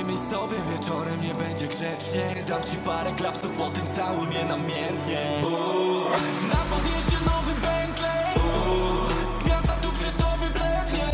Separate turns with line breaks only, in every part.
Powiemy sobie wieczorem, nie będzie grzecznie. Dam ci parę klapsów, potem całuj mnie namiętnie. Na podjeździe nowy Bentley, gwiazda tu przed tobą blednie.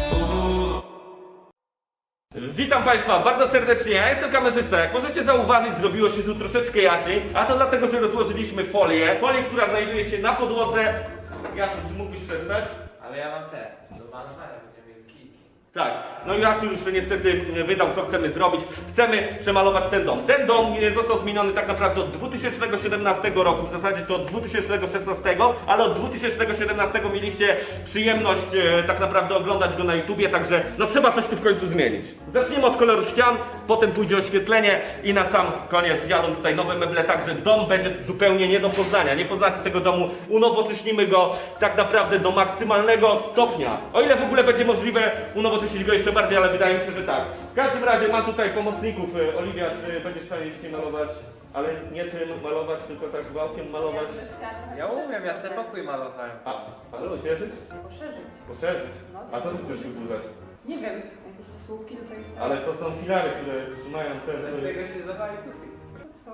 Witam Państwa bardzo serdecznie, ja jestem kamerzysta. Jak możecie zauważyć, zrobiło się tu troszeczkę jaśniej, a to dlatego, że rozłożyliśmy folię, która znajduje się na podłodze. Jasiu, czy mógłbyś przestać?
Ale ja mam te, do malowania będziemy mieli kliki.
Tak, no i Jasiu już niestety wydał, co chcemy zrobić. Chcemy przemalować ten dom. Ten dom został zmieniony tak naprawdę od 2017 roku, w zasadzie to od 2016, ale od 2017 mieliście przyjemność tak naprawdę oglądać go na YouTubie, także no trzeba coś tu w końcu zmienić. Zaczniemy od koloru ścian, potem pójdzie oświetlenie i na sam koniec jadą tutaj nowe meble, także dom będzie zupełnie nie do poznania. Nie poznacie tego domu, unowocześnimy go tak naprawdę do maksymalnego stopnia. O ile w ogóle będzie możliwe unowocześnić go jeszcze bardziej, ale wydaje mi się, że tak. W każdym razie mam tutaj pomocników. Oliwia, czy będziesz w stanie dzisiaj malować, ale nie tym malować, tylko tak wałkiem malować?
Ja umiem, ja sobie pokój malowałem.
Ale rozszerzyć?
Poszerzyć.
Poszerzyć.
No,
A co tu chcesz wyburzać?
Nie wiem, jakieś te słupki tutaj są.
Ale to są filary, które trzymają te...
Bez tego się zawali sufit.
Co?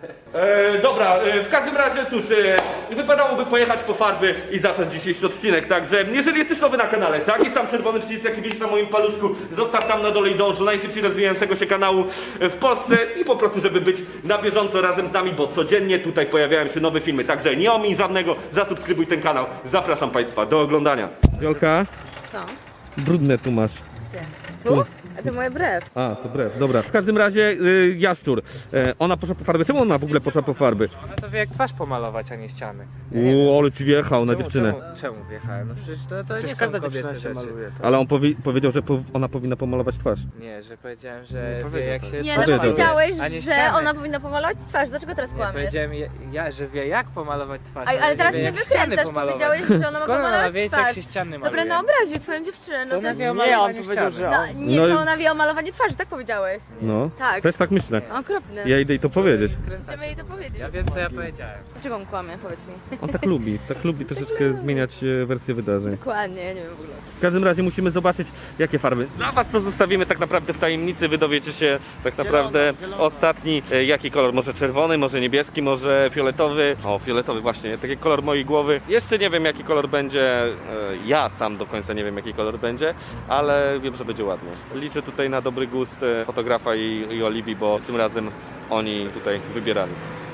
Dobra, w każdym razie cóż, wypadałoby pojechać po farby i zacząć dzisiejszy odcinek, także jeżeli jesteś nowy na kanale, taki sam czerwony przycisk jaki widzisz na moim paluszku, zostaw tam na dole i dąż do najszybciej rozwijającego się kanału w Polsce i po prostu, żeby być na bieżąco razem z nami, bo codziennie tutaj pojawiają się nowe filmy, także nie omiń żadnego, zasubskrybuj ten kanał, zapraszam Państwa do oglądania. Jolka,
Co?
brudne tu masz.
Gdzie? Tu? A to moje brew.
A, to brew, dobra. W każdym razie Jaszczur, ona poszła po farby. Czemu ona w ogóle poszła po farby?
No to wie jak twarz pomalować, a nie ściany.
Ale ci wjechał na dziewczynę.
Czemu wjechałem? No przecież to nie
każda
są
dziewczyna
kobiece
się
rzeczy.
maluje.
Ale on powiedział, że ona powinna pomalować twarz.
Nie, że powiedziałem, że
Nie
wie
powiedział
jak
tak.
się
Nie,
twarz
no
Powiedział.
powiedziałeś,
A nie
że
ściany.
ona powinna pomalować twarz. Dlaczego teraz
Nie,
kłamiesz?
powiedziałem że wie jak pomalować twarz.
Ale teraz
wie,
się
jak ściany
wykręcasz.
pomalować.
Powiedziałeś, że ona ma
Skąd ona
pomalować
wie, jak
twarz.
się ściany maluje?
Dobra, no obraził twoją dziewczynę. No
Co
to
ona
jest...
wie o
Nie, on
malowaniu
powiedział,
ściany?
że
No, nie,
No i-
co ona wie o malowaniu twarzy, tak powiedziałeś.
No,
Tak.
też tak myślę.
Okropny.
Ja idę jej to powiedzieć.
Chcemy jej to powiedzieć.
Ja wiem co ja powiedziałem.
Dlaczego on kłamie, powiedz mi.
On tak lubi troszeczkę zmieniać wersję wydarzeń.
Dokładnie, ja nie wiem w ogóle.
W każdym razie musimy zobaczyć, jakie farby. Dla was to zostawimy tak naprawdę w tajemnicy, wy dowiecie się tak naprawdę ostatni, jaki kolor, może czerwony, może niebieski, może fioletowy. O, fioletowy właśnie, taki kolor mojej głowy. Jeszcze nie wiem, jaki kolor będzie, ja sam do końca nie wiem, jaki kolor będzie, ale wiem, że będzie ładnie. Liczę tutaj na dobry gust fotografa i Oliwii, bo tym razem oni tutaj wybierali.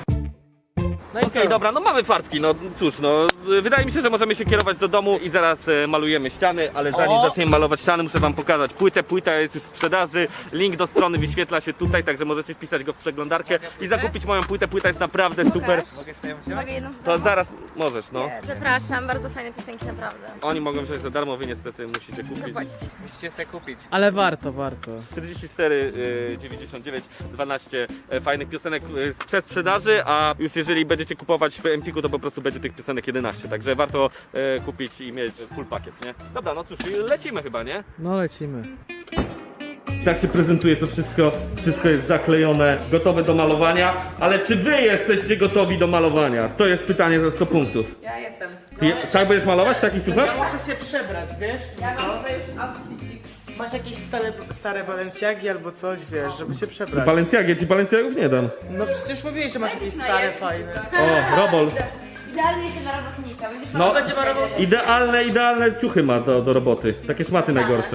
No
Okej, dobra, no mamy farbki, no cóż, no wydaje mi się, że możemy się kierować do domu i zaraz malujemy ściany, ale zanim zaczniemy malować ściany, muszę wam pokazać płytę. Płyta jest już w sprzedaży, link do strony wyświetla się tutaj, także możecie wpisać go w przeglądarkę i zakupić moją płytę. Płyta jest naprawdę super.
Mogę sobie ją wziąć?
Mogę jedną
To zaraz możesz, no.
Nie, zapraszam, bardzo fajne piosenki, naprawdę.
Oni mogą wziąć za darmo, wy niestety musicie kupić.
Zapłacić.
Musicie sobie kupić.
Ale warto, warto.
44, 99, 12 fajnych piosenek w przedsprzedaży, a już jeżeli będziecie kupować w Empiku, to po prostu będzie tych piosenek 11, także warto kupić i mieć full pakiet, nie? Dobra, no cóż, lecimy chyba, nie?
No lecimy.
Tak się prezentuje to wszystko, wszystko jest zaklejone, gotowe do malowania, ale czy wy jesteście gotowi do malowania? To jest pytanie za 100 punktów.
Ja jestem.
Ty, tak będziesz malować w takich ciuchach?
Muszę się przebrać, wiesz?
Ja mam tutaj już outfitik.
Masz jakieś stare Balenciagi albo coś, wiesz, żeby się przebrać.
Balenciagi, ci Balenciagów nie dam.
No przecież mówiłeś, że masz jakieś stare, fajne.
O, Robol.
Idealnie się na robotnika. Będziesz
No,
będzie marował.
idealne ciuchy ma do roboty. Takie szmaty najgorsze.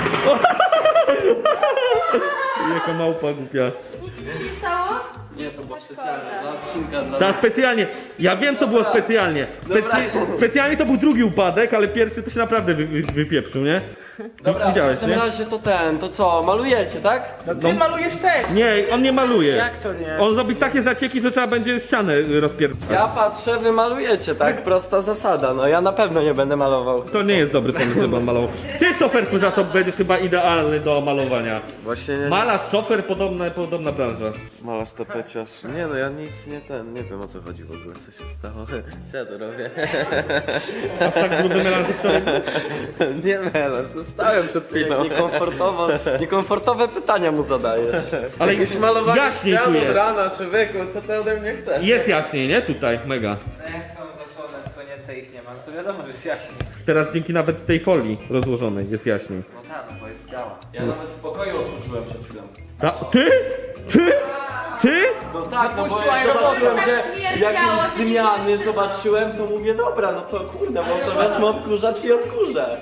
Jaka małpa głupia.
Nic ci nie stało?
Nie, to było specjalne dla odcinka dla
Ta specjalnie. Ja wiem co było specjalnie. Specjalnie to był drugi upadek, ale pierwszy to się naprawdę wypieprzył, nie?
Dobra, w
Widziałeś,
każdym
nie?
razie to co, malujecie, tak?
No ty malujesz też!
Nie, on nie maluje.
Jak to nie?
On robi takie zacieki, że trzeba będzie ścianę rozpierdzać.
Ja patrzę, wy malujecie, tak? Prosta zasada, no ja na pewno nie będę malował.
To nie jest dobry pomysł, żeby on malował. Ty, szoferku, za to będziesz chyba idealny do malowania.
Właśnie
Malarz, szofer, podobna branża.
Malarz tapeciarz. Nie no, ja nic nie wiem o co chodzi w ogóle, co się stało. Co ja tu robię?
A tak brudny melanżyk to
Nie melarz, no stałem przed chwilą. Niekomfortowe pytania mu zadajesz.
Ale
Jakieś malowanie
jaśniej tu
ścian od
jest.
rana, człowieku, co ty ode mnie chcesz?
Jest jaśniej, nie? Tutaj, mega.
No jak są zasłony odsłonięte ich nie ma, to wiadomo, że jest jaśniej.
Teraz dzięki nawet tej folii rozłożonej jest jaśniej.
No tak, no bo jest biała.
Ja nawet w pokoju otworzyłem przed chwilą.
Ty? Ty? Ty?
No tak, no bo
Puściła
jak
i
zobaczyłem,
robota.
że
Śmierdziało,
jakieś
się nie
zmiany
wytrzyma.
zobaczyłem, to mówię, dobra, no to kurde, może wezmę odkurzacz i odkurzę.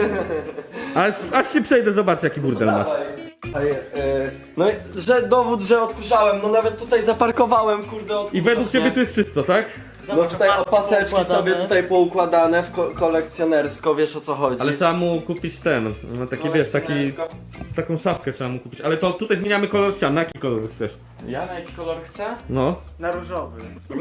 Aż się przejdę, zobacz jaki burdel masz.
No i że dowód, że odkurzałem, no nawet tutaj zaparkowałem, kurde, odkurzacz.
I według ciebie
nie?
tu jest czysto, tak?
No tutaj opaseczki
poukładane.
sobie tutaj poukładane kolekcjonersko, wiesz o co chodzi.
Ale trzeba mu kupić ten, no taki wiesz, taką szafkę trzeba mu kupić. Ale to tutaj zmieniamy kolor ścian, na jaki kolor chcesz?
Ja na jaki kolor chcę?
No.
Na różowy.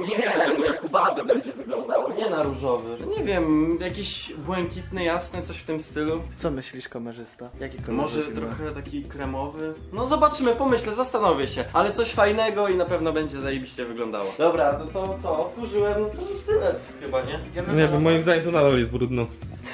Nie na różowy. Nie wiem, jakiś błękitny, jasny, coś w tym stylu.
Co myślisz, kamerzysta? Jaki kolor?
Może trochę taki kremowy. No zobaczymy, pomyślę, zastanowię się. Ale coś fajnego i na pewno będzie zajebiście wyglądało. Dobra, no to co, odkurzyłem, no to tyle chyba, nie?
Nie wiem, moim zdaniem to nadal jest brudno.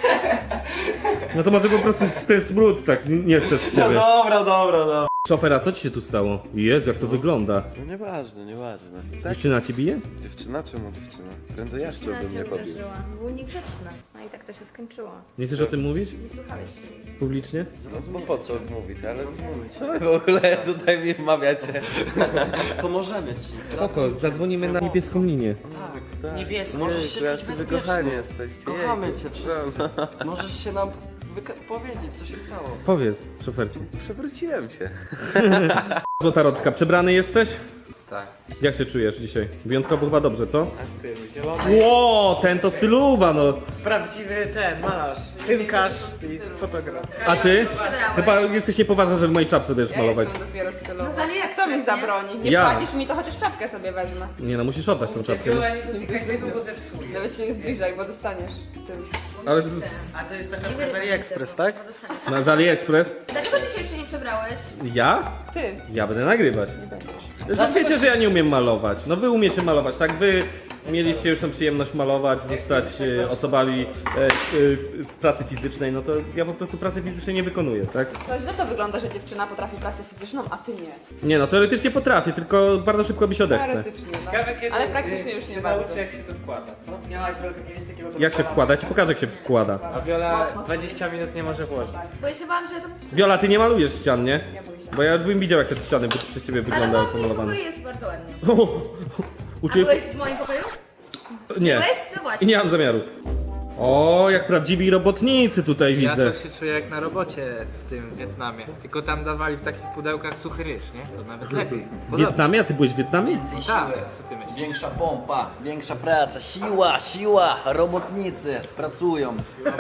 No to może po prostu ten smród tak nie chce z
No
ciebie.
dobra.
Szofera, co ci się tu stało? Jezu, jak to wygląda.
No nieważne, nieważne.
Dziewczyna ci bije?
Dziewczyna? Czemu dziewczyna? Prędzej ja
Dziewczyna
chciałbym
cię
mnie pobić.
uderzyła. Był niegrzeczna. No i tak to się skończyło.
Nie chcesz o tym mówić?
Nie słuchałeś się jej.
Publicznie?
No bo po co mówić, ale co wy w ogóle tutaj mi wmawiacie?
Pomożemy ci.
Spoko, zadzwonimy na niebieską linię.
Tak.
Niebieskie. Możesz się
Jacy
czuć
wy kochani
bezpiecznie.
jesteście.
Kochamy
Jejku.
cię wszyscy. Możesz się nam powiedzieć, co się stało.
Powiedz, szoferku.
Przewróciłem się.
Złota Roczka, przebrany jesteś?
Tak.
Jak się czujesz dzisiaj? Wyjątkowo chyba dobrze, co?
A z tym zielony.
Ło, ten to styluwa, no.
Prawdziwy ten, malarz, tynkarz i fotograf.
A ty?
Przebrałeś.
Chyba jesteś niepoważna, że w mojej czapce będziesz malować.
Jestem dopiero stylowa.
No z AliExpress,
Kto mi
nie?
zabroni? Nie
Ja.
płacisz mi, to chociaż czapkę sobie wezmę.
Nie no, musisz oddać tą czapkę. No.
Nawet się nie zbliżaj, bo dostaniesz tym.
Ale
A to jest ta czapka z AliExpress, tak?
z AliExpress?
Dlaczego ty się jeszcze nie przebrałeś?
Ja?
Ty.
Ja będę nagrywać. Że wiecie, że ja nie umiem malować. No wy umiecie malować, tak? Wy mieliście już tą przyjemność malować, zostać osobami z pracy fizycznej, no to ja po prostu pracy fizycznej nie wykonuję, tak?
To źle to wygląda, że dziewczyna potrafi pracę fizyczną, a ty nie.
Nie no, teoretycznie potrafię, tylko bardzo szybko mi się odechce.
Teoretycznie, no. Ale praktycznie już nie bardzo.
jak się to wkłada, co?
Miałaś kiedyś takiego
Jak się wkłada? Ja ci pokażę, jak się wkłada.
A Wiola 20 minut nie może włożyć.
Bo ja się bałam, że ja to...
Wiola, ty nie malujesz ścian, nie? Bo ja już bym widział, jak te ściany przez ciebie
Ale
wyglądały
mój
pomalowane.
pokój jest bardzo ładny. A
Uczy...
byłeś w moim pokoju?
Nie.
Byłeś? No
I
właśnie.
nie mam zamiaru. O, jak prawdziwi robotnicy tutaj
Ja
widzę.
to się czuję jak na robocie w tym Wietnamie. Tylko tam dawali w takich pudełkach suchy ryż, nie? To nawet lepiej.
W Wietnamie? A ty byłeś w Wietnamie?
Tak, co ty myślisz?
Większa pompa, większa praca, siła, robotnicy pracują.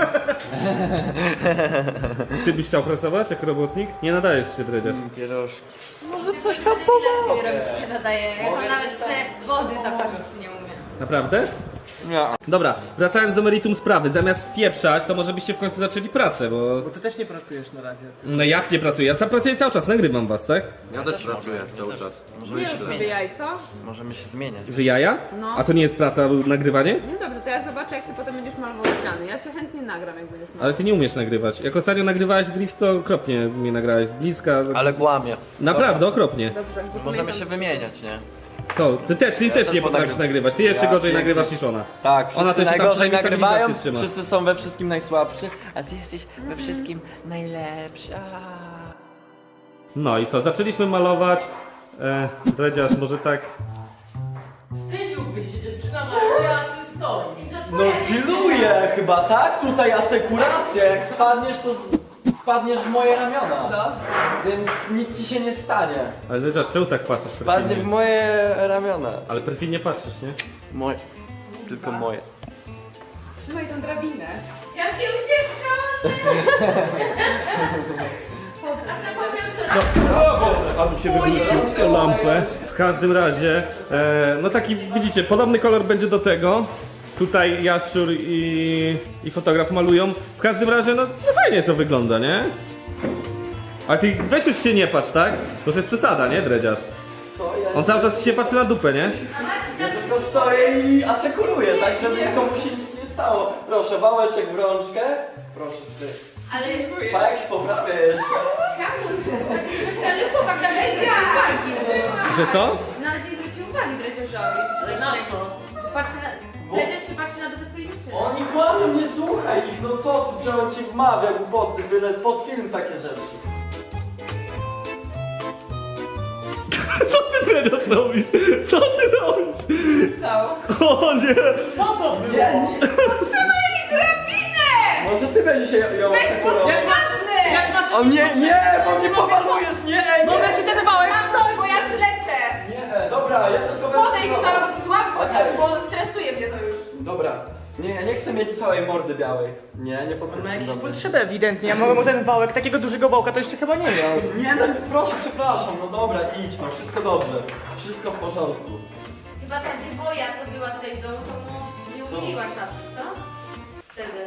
Ty byś chciał pracować jako robotnik? Nie nadajesz się, dredziarz.
Pierożki.
Może coś tam pomoże. Ile robić się nadaje, jak on nawet chce wody zaparzyć nie umie.
Naprawdę?
Nie.
Dobra, wracając do meritum sprawy, zamiast pieprzać, to może byście w końcu zaczęli pracę, bo...
Bo ty też nie pracujesz na razie.
No jak nie pracuję? Ja pracuję cały czas, nagrywam was, tak?
Ja też pracuję cały czas.
Możemy
Nie
się
rób sobie
zmieniać.
jajco.
Możemy się zmieniać.
Że jaja?
No.
A to nie jest praca, nagrywanie?
No dobrze, to ja zobaczę, jak ty potem będziesz malował ściany. Ja cię chętnie nagram, jak będziesz malował.
Ale ty nie umiesz nagrywać. Jak ostatnio nagrywałeś drift, to okropnie mnie nagrałeś z bliska.
Ale kłamie.
Naprawdę, okropnie.
Dobrze,
Możemy się wymieniać, nie?
Co? Ty też nie
też
potrafisz
ponagrywam.
nagrywać. Ty jeszcze
Ja
gorzej
pięknie.
nagrywasz niż ona.
Tak, wszyscy
Ona to się tam
najgorzej
przynajmniej
nagrywają,
stabilizację trzyma.
wszyscy są we wszystkim najsłabszy, a ty jesteś we wszystkim najlepsza.
No i co? Zaczęliśmy malować. Dredziarz, może tak.
No pilnuję chyba, tak? Tutaj asekuracja, jak spadniesz, to spadniesz w moje ramiona.
No.
Więc nic ci się nie stanie.
Ale Dredziarz, czemu tak patrzysz
Spadnie w
perfidnie?
moje ramiona.
Ale perfidnie patrzysz, nie?
Moje. Tylko moje.
Trzymaj tą drabinę.
Jaki ucieszony! A zapomniałam co...
O Boże, albo się wywrócił o lampę. W każdym razie, no taki widzicie, podobny kolor będzie do tego. Tutaj Jaszczur i fotograf malują. W każdym razie, no fajnie to wygląda, nie? A ty weź już się nie patrz, tak? To już jest przesada, nie, dredziarz?
Co ja?
On cały czas się patrzy na dupę, nie?
Ja tylko stoję i asekuruję, tak żeby nikomu się nic nie stało. Proszę, wałeczek w rączkę. Proszę, ty.
Ale...
Pajek się poprawia jeszcze.
Ale chłopak tam nie zwrócił uwagi.
Że co?
Że nawet nie zwrócił uwagi dredziarzowi. Na co? Patrzy na... Dredziarz się patrzy na dupę twojej dziewczyny.
Oni kłamią, nie słuchaj ich, no co ty, że on ci wmawia głupoty, byle pod film takie rzeczy.
Co ty teraz robisz? Co ty robisz? O nie!
Co to było?
Potrzebuję mi drabinę!
Może ty będziesz się ją asekurował.
Jak masz...
O nie, bo mnie pomalujesz, nie,
Mogę ci ten wałek
Bo ja zlecę!
nie, dobra, ja tylko będę
Podejdź
próbował.
tam, złap chociaż, bo stresuje mnie to już.
Dobra, nie, ja nie chcę mieć całej mordy białej. Nie
Ma
podchodzę
jakieś
do mnie.
potrzeby ewidentnie, ja mogę mu ten wałek, takiego dużego wałka to jeszcze chyba nie miał.
Nie, no proszę, przepraszam, no dobra, idź, no wszystko dobrze. Wszystko w porządku.
Chyba ta dziwoja, co była tutaj w domu, to mu nie
Co?
umiliła czasem, co? Wtedy.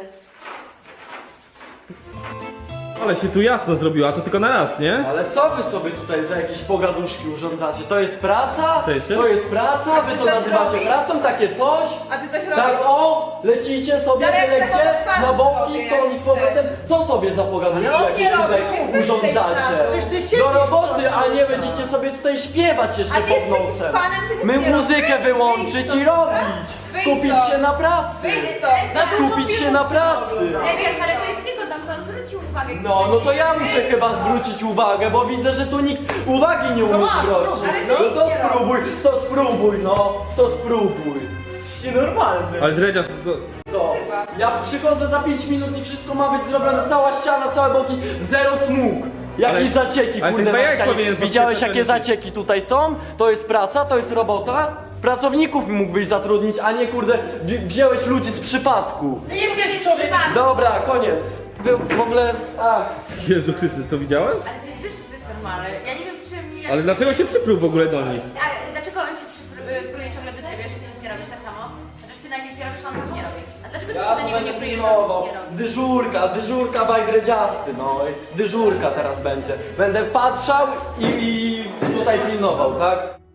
Ale się tu jasno zrobiła, to tylko na raz, nie?
Ale co wy sobie tutaj za jakieś pogaduszki urządzacie? To jest praca?
W sensie?
To jest praca? Wy to
coś
nazywacie
robisz?
pracą? Takie coś?
A ty coś
Tak
robisz?
o, lecicie sobie,
Darek,
wylecie
tak
na boki,
sobie.
w koni z powrotem. Co sobie za pogaduszki
Ale on
jakieś
nie
tutaj
robi, ty
urządzacie?
Przecież ty siedzisz
Do roboty,
stąd
a
cały
nie
czas.
będziecie sobie tutaj śpiewać jeszcze
A ty
pod
jesteś jakimś
nosem.
panem, ty nic
My
nie
muzykę
robisz.
wyłączyć
Wyjdź
i
stąd,
robić.
Wyjdź
Skupić
stąd.
się na pracy.
Wyjdź stąd!
Skupić się na pracy.
Ale wiesz, ale to jest jego dom, to on zwrócił uwagę.
No to ja muszę chyba zwrócić uwagę, bo widzę, że tu nikt uwagi nie umie zwrócić. No co spróbuj, co spróbuj.
Jesteś nienormalny.
Ale Dredziarz,
Co? Ja przychodzę za 5 minut i wszystko ma być zrobione, cała ściana, całe boki, zero smug. Jakieś
Ale-
zacieki,
ale
kurde,
ten
na
bajak
ścianie.
powinien
Widziałeś,
podświetlać
jakie
ten-
zacieki tutaj są? To jest praca, to jest robota? Pracowników mógłbyś zatrudnić, a nie, kurde, wziąłeś ludzi z przypadku.
Nie jesteś człowiek.
Dobra, koniec. Wy w ogóle... Ach.
Jezu Chrysty, to widziałeś?
Ale to jest, wiesz, że to jest normalne. Ja nie wiem, czym ja...
Ale dlaczego się przypluł w ogóle do nich?
Ale dlaczego on się pluje ciągle do ciebie, że ty nic nie robisz tak samo? Chociaż ty na nic nie robisz, a on nic nie robi. A dlaczego ty się do niego nie plujesz, że on nic nie robi?
Dyżurka bajdredziasty, no. Dyżurka teraz będzie. Będę patrzał i tutaj pilnował, tak?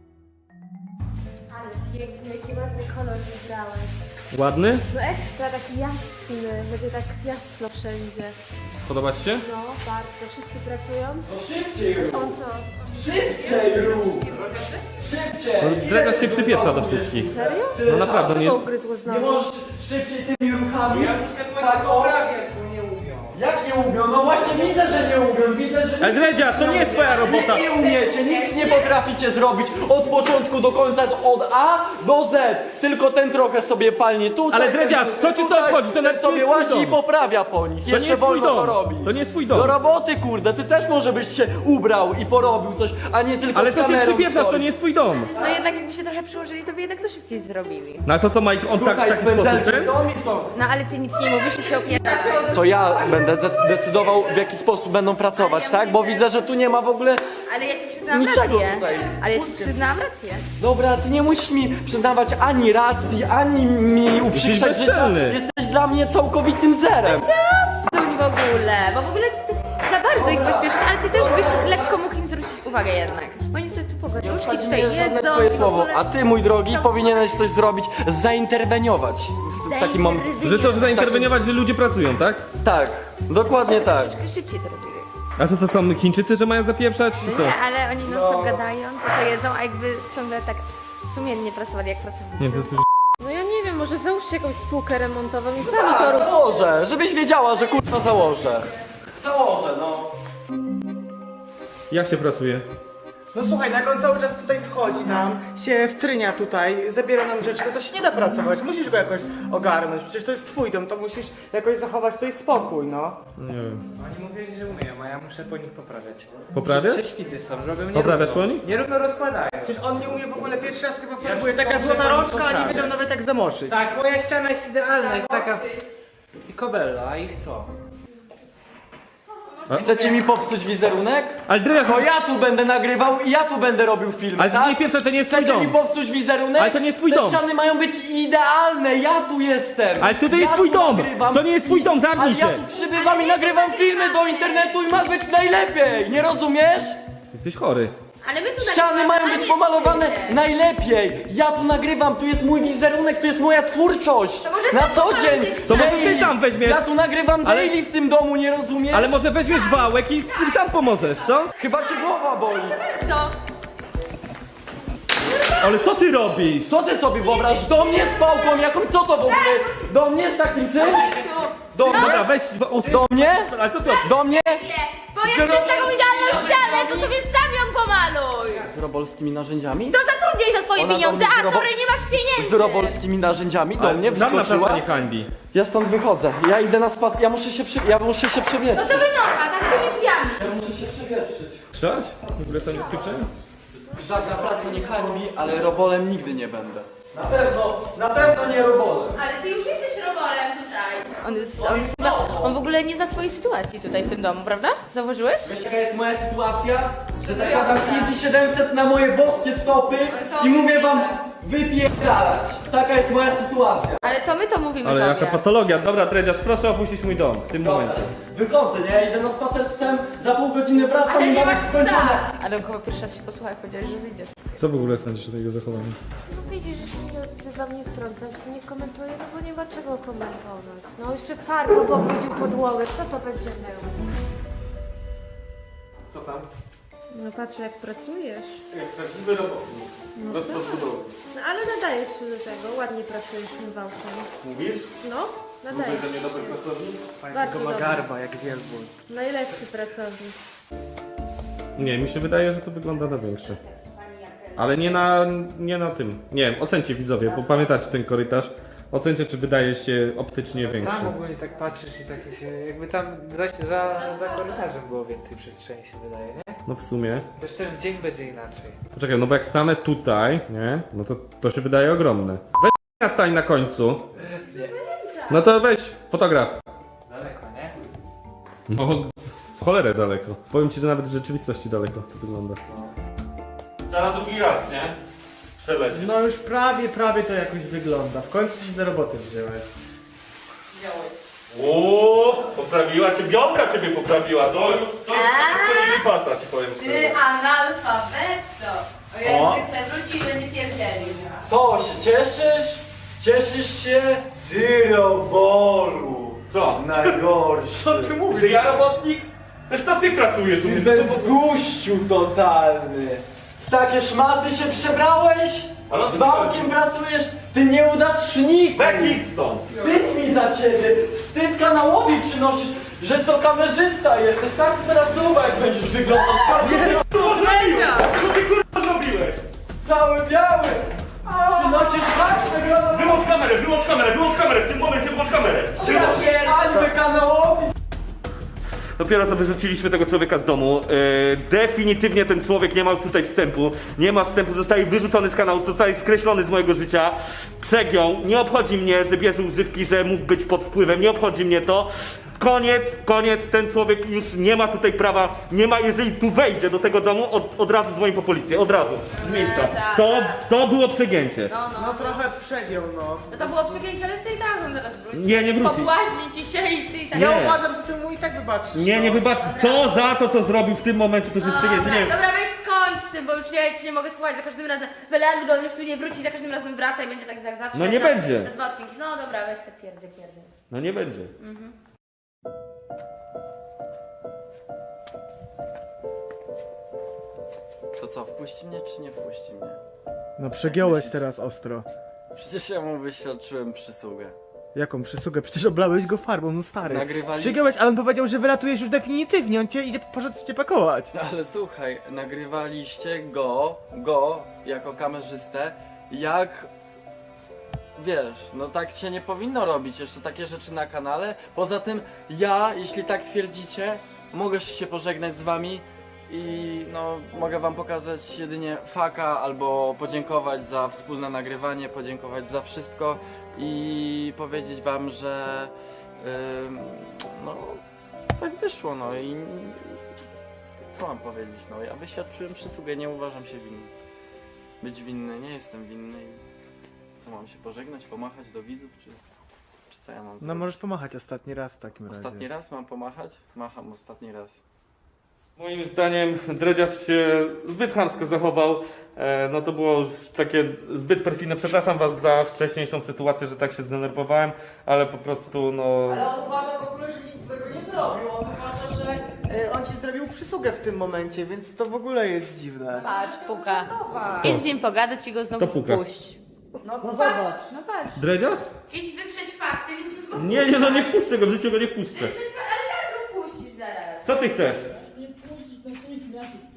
Ale piękny, jaki ładny kolor wybrałeś.
Ładny?
No ekstra, taki jasny, będzie tak jasno wszędzie.
Podoba ci się?
No, bardzo. Wszyscy pracują?
No szybciej rób!
On co?
Szybciej rób! Szybciej!
No, Dredziarz się przypieprza do wszystkich.
Serio?
No naprawdę,
Co
nie...
go ugryzło
Nie
znowu?
możesz szybciej tymi ruchami? Tak o! Jak nie umią? No właśnie widzę, że nie umią, widzę, że...
Ale Dredziarz, to nie jest twoja robota!
Nic nie umiecie, nic nie potraficie zrobić od początku do końca, od A do Z. Tylko ten trochę sobie palnie tutaj.
Ale Dredziarz,
ten
co ci to
tutaj,
obchodzi? To
ten
nawet nie
sobie
jest twój
łazi i
dom.
poprawia po nich.
To
Jeszcze
nie jest twój
wolno to
dom!
robi.
To nie jest twój dom!
Do roboty, kurde, ty też może byś się ubrał i porobił coś, a nie tylko
Ale
z
to się
kamerą
przypieprzasz, to
stoisz.
nie jest twój dom!
No jednak jakby się trochę przyłożyli, to by jednak to szybciej zrobili.
No a to co, Mike, on tak w
Tutaj
taki sposób,
pędzelkiem
ten?
dom i to...
No ale ty nic nie mówisz i się opiewasz.
To ja będę decydował, w jaki sposób będą pracować,
Ale ja
tak?
mówię,
Bo
że-
widzę, że tu nie ma w ogóle...
Ale ja ci przyznałam
Niczego
rację.
tutaj.
Ale ja ci przyznałam rację.
Dobra, ty nie musisz mi przyznawać ani racji, ani mi uprzykrzać życia.
bezczelny.
Jesteś dla mnie całkowitym zerem.
Zuń w ogóle, bo w ogóle ty za bardzo ich pośpieszyć, ale ty też byś lekko mógł im zwrócić uwagę jednak. Oni sobie tu
Nie
pogaduszki
obchodzi
tutaj
mnie żadne
jedzą.
twoje
i w
słowo,
ogóle-
a ty, mój drogi,
To-
powinieneś coś zrobić, zainterweniować w takim momencie.
Że to, że zainterweniować, że ludzie pracują, tak?
Tak, dokładnie tak.
Troszeczkę szybciej to robili.
A to są Chińczycy, że mają zapieprzać, czy co?
Nie, ale oni non stop gadają, to jedzą, a jakby ciągle tak sumiennie pracowali jak pracownicy.
Nie, to jest...
No ja nie wiem, może załóżcie jakąś spółkę remontową i sami
Tak,
to rób.
założę, żebyś wiedziała, że kurwa założę. Założę, no.
Jak się pracuje?
No słuchaj, no jak on cały czas tutaj wchodzi nam, się wtrynia tutaj, zabiera nam rzeczy, no to się nie da pracować. Musisz go jakoś ogarnąć, przecież to jest twój dom, to musisz jakoś zachować tutaj spokój, no.
Nie wiem.
Oni mówili, że umieją, a ja muszę po nich poprawiać.
Poprawiasz?
Prześwity są, robią nierówno.
Poprawiasz po nich?
Nierówno rozkładają.
Przecież on nie umie w ogóle pierwszy raz chyba farbuje,
już
taka
dobrze
złota
pani
rączka, a nie
poprawia.
wiedział nawet jak zamoczyć.
Tak, moja ściana jest idealna, jest taka... I kobella, a ich co?
Chcecie mi popsuć wizerunek?
Ale Dredziarz,
To ja tu będę nagrywał i ja tu będę robił filmy,
ale to
tak?
nie pierwsze, to nie jest twój
Chcecie mi
dom.
popsuć wizerunek?
Ale to nie jest twój
Te
dom.
ściany mają być idealne, ja tu jestem!
Ale to
ja
jest twój
tu
dom.
nagrywam.
To nie jest twój dom, zamknij
Ale ja
się.
tu przybywam i nagrywam filmy do internetu i ma być najlepiej, nie rozumiesz?
Jesteś chory.
Ale my tu
Ściany
nagrywamy,
mają
a
być
nie
pomalowane
ty.
najlepiej! Ja tu nagrywam, tu jest mój wizerunek, tu jest moja twórczość!
To może
Na
sam
co
pomaluj
dzień!
te
To może
Daily.
ty sam weźmiesz.
Ja tu nagrywam
Ale-
daily w tym domu, nie rozumiesz?
Ale może weźmiesz wałek i z tym sam pomożesz, co?
Chyba cię głowa boli!
Co?
Ale co ty robisz?
Co ty sobie wyobraź? Do mnie z pałką jakąś, co to w ogóle? Do mnie z takim czymś? Do mnie?
Dobra, weź...
Do mnie?
Ale co ty robisz?
Do mnie?
Bo jak chcesz taką idealną ścianę, to sobie sam ją pomaluj!
z robolskimi narzędziami?
To zatrudniaj za swoje
Ona
pieniądze,
do mnie
a
z
sorry, nie masz pieniędzy!
Z robolskimi narzędziami do mnie
Nam
wskoczyła.
naprawdę nie hańbi.
Ja stąd wychodzę. Ja idę na spad. Ja muszę się
No
przewietrzyć.
to wynocha, tak z tymi drzwiami.
Ja muszę się przewietrzyć.
Strzelać? W ogóle to nie tyczy?
Żadna praca nie hańbi, ale robolem nigdy nie będę. Na pewno nie robolem.
Ale ty już jesteś robolem tutaj. On w ogóle nie zna swojej sytuacji tutaj w tym domu, prawda? Zauważyłeś?
Wiesz jaka jest moja sytuacja? Że
zrobiłam
zakładam
tak.
Easy 700 na moje boskie stopy
Ale to
i mówię wam
obrzydliwe.
wypierdalać. Taka jest moja sytuacja.
Ale to my to mówimy
Ale
tobie.
jaka patologia. Dobra, Dredziarz, proszę opuścić mój dom w tym momencie.
Wychodzę, nie? Idę na spacer z psem, za pół godziny wracam
Ale
i
nie
mam
masz
już skończone.
psa! Ale chyba pierwszy raz się posłuchaj, powiedziałeś, że wyjdziesz.
Co w ogóle sądzisz o tego zachowania?
No widzisz, że się nie odzywam, nie wtrącam się, nie komentuję, no bo nie ma czego komentować. No jeszcze farbą pobrudził podłogę, co to będzie miał?
Co tam?
No patrzę jak pracujesz.
Jak prawdziwy robotnik. Bez podbudowy.
No ale nadajesz się do tego, ładnie pracujesz tym wałkiem.
Mówisz?
No, nadajesz.
Że nie dobry pracownik?
Bardzo
ma
dobry.
garba jak wielbłąd.
Najlepszy pracownik.
Nie, mi się wydaje, że to wygląda na większe. Ale nie na tym. Nie wiem, ocencie widzowie, bo pamiętacie ten korytarz. Ocencie, czy wydaje się optycznie większy.
Tam ogólnie tak patrzysz i takie się, jakby tam za korytarzem było więcej przestrzeni się wydaje, nie?
No w sumie.
Też w dzień będzie inaczej.
Poczekaj, no bo jak stanę tutaj, nie? No to się wydaje ogromne. Weź stań na końcu. No to weź fotograf.
Daleko, nie?
No w cholerę daleko. Powiem ci, że nawet w rzeczywistości daleko to wygląda. Trzeba drugi raz, nie? Przelecieć.
No już prawie to jakoś wygląda. W końcu się do roboty wziąłeś.
Poprawiła cię, Bianka ciebie poprawiła. To już pasa ci powiem
Ty
szczerze.
analfabetto. O jak zwykle wróci i będzie pierdzielił.
Co, się cieszysz? Cieszysz się? Ty robolu.
Co?
Najgorszy.
Co ty mówisz? Że ja robotnik? Też to ty pracujesz.
Ty bezguściu totalny. W takie szmaty się przebrałeś?
Ale
Z wałkiem pracujesz? Ty nieudaczniku.
Weź idź stąd.
Wstyd mi za ciebie. Wstyd kanałowi przynosisz, że co kamerzysta jesteś. Tak teraz zobacz jak będziesz wyglądał.
Co ty kurwa zrobiłeś?
Cały biały. Przynosisz tak wyglądał.
Wyłącz kamerę, w tym momencie wyłącz kamerę.
Hańbę kanałowi.
Dopiero co wyrzuciliśmy tego człowieka z domu. Definitywnie ten człowiek nie ma tutaj wstępu. Nie ma wstępu, zostaje wyrzucony z kanału, zostaje skreślony z mojego życia. Przegiął. Nie obchodzi mnie, że bierze używki, że mógł być pod wpływem. Nie obchodzi mnie to. Koniec, ten człowiek już nie ma tutaj prawa, nie ma, jeżeli tu wejdzie do tego domu, od razu dzwoni po policję, od razu, z miejsca. To było przegięcie.
No trochę przegiął, no.
No to było przegięcie, ale ty i tak on zaraz wróci.
Nie wróci.
Pobłaźni ci się i ty i tak.
Ja
Nie.
uważam, że ty mu i tak wybaczysz.
Nie wybacz. To za to, co zrobił w tym momencie, to jest przegięcie. Nie wiem.
Dobra, weź skończ z tym, bo już ja ci nie mogę słuchać. Za każdym razem wylędy, on już tu nie wróci, za każdym razem wraca i będzie tak jak zawsze.
No nie będzie.
Na dwa odcinki. No dobra, weź się pierdzie.
No nie będzie.
To co, wpuści mnie czy nie wpuści mnie?
No przegiąłeś teraz ostro.
Przecież ja mu wyświadczyłem przysługę.
Jaką przysługę? Przecież oblałeś go farbą, no stary.
Nagrywali-
Przegiąłeś, ale on powiedział, że wylatujesz już definitywnie, on cię poszedł cię pakować.
Ale słuchaj, nagrywaliście go jako kamerzystę, jak... Wiesz, no tak się nie powinno robić, jeszcze takie rzeczy na kanale. Poza tym ja, jeśli tak twierdzicie, mogę się pożegnać z wami i no mogę wam pokazać jedynie faka albo podziękować za wspólne nagrywanie, podziękować za wszystko i powiedzieć wam, że no tak wyszło, no i co mam powiedzieć, no ja wyświadczyłem przysługę, nie uważam się winny. Być winny, nie jestem winny i co mam się pożegnać, pomachać do widzów, czy co ja mam
No
zrobić?
możesz pomachać ostatni raz w takim razie.
Ostatni raz mam pomachać? Macham ostatni raz.
Moim zdaniem Dredziarz się zbyt chamsko zachował. No to było już takie zbyt perfidne. Przepraszam was za wcześniejszą sytuację, że tak się zdenerwowałem, ale po prostu no...
Ale on uważa w ogóle, że nic złego nie zrobił. On uważa, że on ci zrobił przysługę w tym momencie, więc to w ogóle jest dziwne.
Patrz, puka. Idź z nim pogadać i go znowu
To puka.
wpuść.
No
Patrz, no patrz.
Dredziarz?
Idź wyprzeć fakty, więc już go
Nie, no nie wpuszczę go, w życiu go nie wpuszczę.
Ale tak go wpuścisz zaraz.
Co ty chcesz?
Nie wpuścić natychmiast lub ja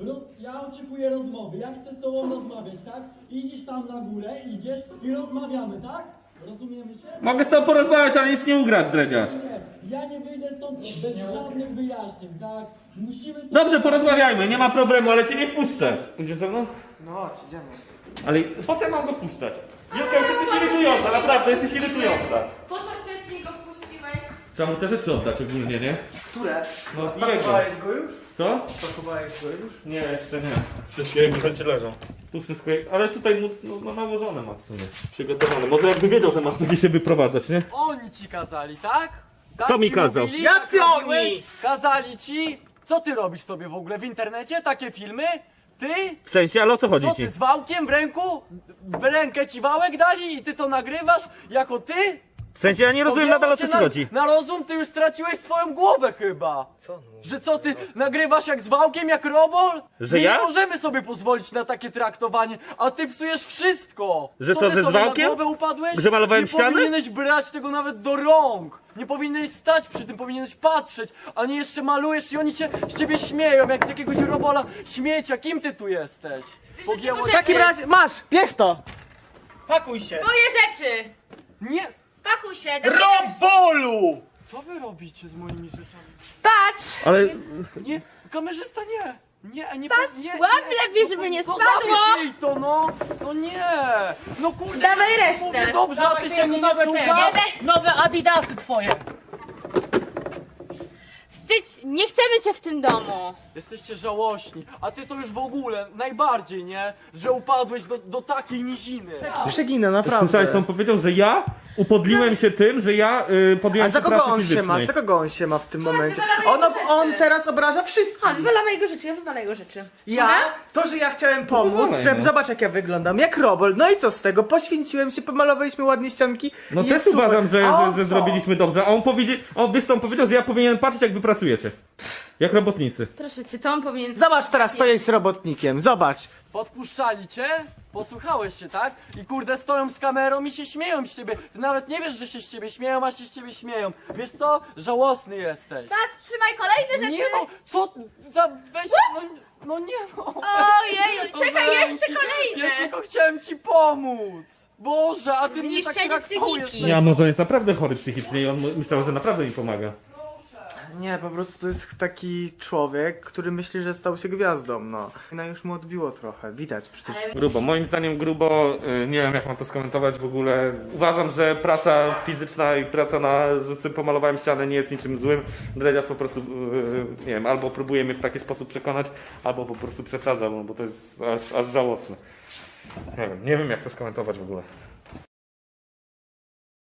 Ja oczekuję rozmowy. Ja chcę z tobą rozmawiać, tak? Idziesz tam na górę, idziesz i rozmawiamy, tak? Rozumiemy się?
Mogę z tobą porozmawiać, ale nic nie ugrasz, dredziarz.
Nie, ja nie wyjdę stąd bez żadnych wyjaśnień, tak? Musimy...
Dobrze, porozmawiajmy, nie ma problemu, ale cię nie wpuszczę. Idziesz ze mną?
No chodź, idziemy.
Ale po co ja mam go wpuszczać? Julka, już jesteś irytująca, naprawdę, jesteś irytująca.
Po co wcześniej go wpuściłeś?
Trzeba mu te rzeczy oddać ogólnie, nie?
Które?
No, jego.
Spakowałeś go już?
Co?
Spakowałeś go już?
Nie, jeszcze nie. Wszystkie jego rzeczy leżą. Tu wszystko, ale tutaj mu no, nałożone ma w sumie. Przygotowane. Może jakby wiedział, że ma tu się wyprowadzać, nie?
Oni ci kazali, tak? Tak
Kto mi
ci
kazał?
Mówili,
Jacy
tak robiłeś?
oni?
Kazali ci? Co ty robisz sobie w ogóle w internecie? Takie filmy? Ty?
W sensie, ale o co chodzi
Co
ci?
ty, z wałkiem w ręku? W rękę ci wałek dali i ty to nagrywasz? Jako ty?
W sensie, ja nie rozumiem nadal o co
Cię
ci chodzi.
na rozum ty już straciłeś swoją głowę chyba.
Co on mówi?
Że co ty, nagrywasz jak z wałkiem, jak robol?
Że
My
ja?
nie możemy sobie pozwolić na takie traktowanie, a ty psujesz wszystko.
Że co,
ty
że z
sobie
wałkiem?
na głowę upadłeś?
Że malowałem
nie
ściany?
Nie powinieneś brać tego nawet do rąk. Nie powinieneś stać przy tym, powinieneś patrzeć, a nie jeszcze malujesz i oni się z ciebie śmieją, jak z jakiegoś robola śmiecia. Kim ty tu jesteś? Pogięło
W
cię?
takim razie, masz, bierz to! Pakuj się!
Moje rzeczy!
Nie!
Pakuj się! dawaj.
Robolu!
Co wy robicie z moimi rzeczami?
Patrz!
Ale
Nie, kamerzysta nie! Nie,
Patrz,
nie,
łap lepiej, żeby nie
to
spadło!
zabierz jej to, no! No nie! No kurde!
Dawaj
ja
resztę.
mówię dobrze, a ty się mnie nie
nowe
słuchasz?
Nowe adidasy twoje!
Wstydź! Nie chcemy cię w tym domu!
Jesteście żałośni, a ty to już w ogóle, najbardziej, nie? Że upadłeś do takiej niziny.
Przeginę, naprawdę.
słyszałeś, co on powiedział, że ja upodliłem się tym, że ja podjąłem
A za
się
kogo
pracy
on się ma?
fizycznej.
Za kogo on się ma w tym momencie?
wywalamy jego
On
rzeczy.
teraz obraża wszystkich.
Chodź, wywalamy jego rzeczy, ja wywalę jego rzeczy.
Ja? To, że ja chciałem pomóc,
Dawaj,
żeby
no.
zobacz jak ja wyglądam, jak robol. No i co z tego? Poświęciłem się, pomalowaliśmy ładnie ścianki.
No
i
też
jest super.
uważam,
A on
że
co?
zrobiliśmy dobrze, a on powiedział, że ja powinienem patrzeć, jak wy pracujecie. Jak robotnicy.
Proszę cię, to on powinien...
Zobacz teraz, to jest robotnikiem, zobacz.
Podpuszczali cię? Posłuchałeś się, tak? I kurde stoją z kamerą i się śmieją z ciebie. Ty nawet nie wiesz, że się z ciebie śmieją, a się z ciebie śmieją. Wiesz co? Żałosny jesteś.
Patrz, trzymaj kolejne rzeczy!
Nie no, co za weź, no nie no.
Ojej,
To
czekaj,
zamknij.
jeszcze kolejne!
Ja tylko chciałem ci pomóc. Boże, a ty mnie tak
Zniszczenie
traktujesz.
psychiki.
Nie, a może on jest naprawdę chory psychicznie i on myślał, że naprawdę mi pomaga.
Nie, po prostu to jest taki człowiek, który myśli, że stał się gwiazdą, no. No już mu odbiło trochę, widać przecież.
Grubo, moim zdaniem grubo, nie wiem jak mam to skomentować w ogóle. Uważam, że praca fizyczna i praca że sobie pomalowałem ścianę nie jest niczym złym. Dredziarz po prostu, nie wiem, albo próbuje mnie w taki sposób przekonać, albo po prostu przesadza, no bo to jest aż żałosne. Nie wiem jak to skomentować w ogóle.